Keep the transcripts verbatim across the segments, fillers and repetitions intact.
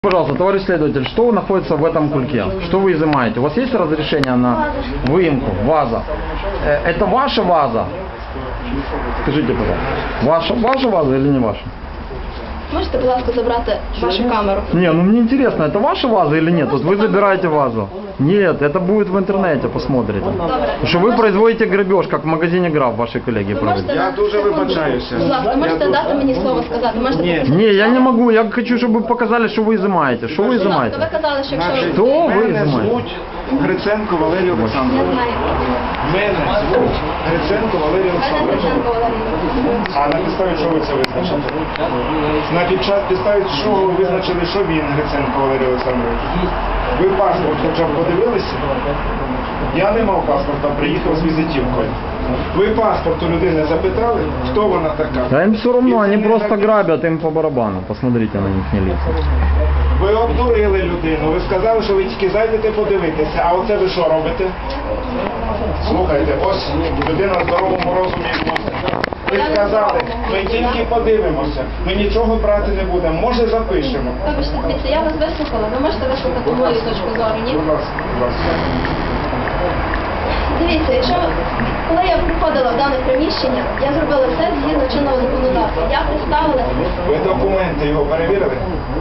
Пожалуйста, товарищ следователь, что находится в этом кульке? Что вы изымаете? У вас есть разрешение на выемку? Ваза. Это ваша ваза? Скажите, пожалуйста. Ваша, ваша ваза или не ваша? Можете, будь ласка, забрати вашу камеру? Не, ну мне интересно, это ваша ваза или нет? Вот вы забираете вазу. Нет, это будет в интернете, посмотрите. Потому что вы производите грабеж, как в магазине Граф, ваши коллеги проводят. Я дуже вибачаюся. Будь ласка, можете дати мені слово сказати? Можете Ні. попросити? Не, я не могу, я хочу, чтобы вы показали, что вы изымаете. Что вы Будь ласка, ви изымаете? казали, що якщо Значить, ви... Хто ви мене знімаєте? звуть Гриценко Валерій Я Олександрович. знаю. Мене звуть Гриценко Валерій Мене Олександрович. Гриценко Валерій Олександрович. А на підставі чого ви це визначили? На підчас- підставі чого ви визначили, що він Гриценко Валерій Олександрович? Ви паспорт хоча б подивилися? Я не мав паспорта, приїхав з візитівкою. Ви паспорт у людини запитали, хто вона така? Да им все равно, І они це не просто так- грабят, им по барабану. Посмотрите на них, не лица. Ви обдурили людину, ви сказали, що ви тільки зайдете подивитися, а оце ви що робите? Слухайте, ось людина в здоровому розумі. Ви сказали, ми тільки подивимося, ми нічого брати не будемо, може запишемо. Вибачте, дивіться, я вас вислухала. Ви можете вислухати мою точку зору, ні? Будь ласка, будь ласка. Дивіться, якщо коли я приходила в дане приміщення, я зробила все згідно чинного законодавства. Я представила... Ви документи його перевірили?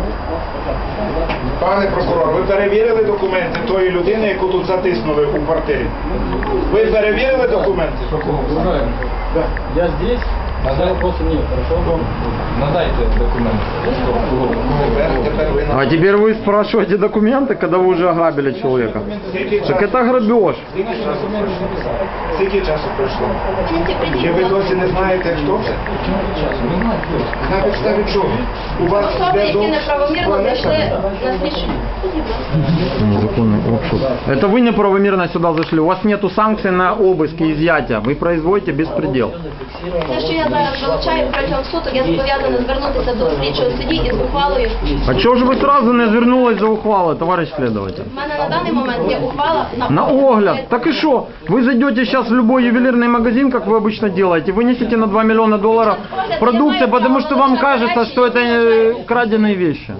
Пане прокурор, ви перевірили документи тої людини, яку тут затиснули у квартирі? Ви перевірили документи? Уважаемый, Да. я здесь, а вопроса нет, хорошо? Надайте документы. Тепер, тепер ви А на... теперь вы спрашиваете документы, когда вы уже ограбили человека. Скільки Так часу? это грабеж. Скільки часу пройшло? Скільки часу пройшло? Тільки прийдіть, Чи ви будь ласка. досі не знаєте, хто це? Не знаю, кто. На підставі чого? У вас Особи, йде які до- неправомірно зайшли на слідчу. Незаконный обшук. Это вы неправомерно сюда зашли. У вас нету санкций на обыск и изъятие. Вы производите беспредел. Те, що я зараз вилучаю протягом суток, я зобов'язана звернутися до слідчого судді із ухвалою. А чего же вы сразу не звернулись за ухвалой, товарищ следователь? У мене на даний момент є ухвала на... На огляд. Так и что? Вы зайдете сейчас в любой ювелирный магазин, как вы обычно делаете, вынесете на два миллиона долларов продукции, потому что вам кажется, что это э, краденые вещи.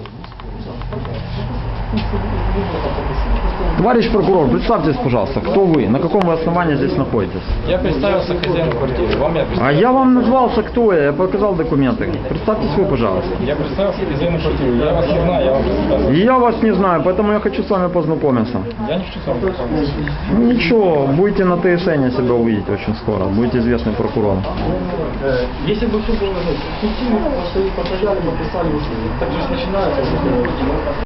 Товарищ прокурор, представьтесь, пожалуйста, кто вы, на каком вы основании здесь находитесь? Я представился хозяину квартиры, вам я А представился. я вам назвался, кто я, я показал документы. Представьтесь вы, пожалуйста. Я представился хозяину квартиры, я вас не знаю, я вам представился. И я вас не знаю, поэтому я хочу с вами познакомиться. Я не хочу с вами познакомиться. Ну, ничего, будете на ТСН себя увидеть очень скоро, будете известным прокурором. Если бы все было, ну, фиктивно, просто постояли, подписали, так же начинается.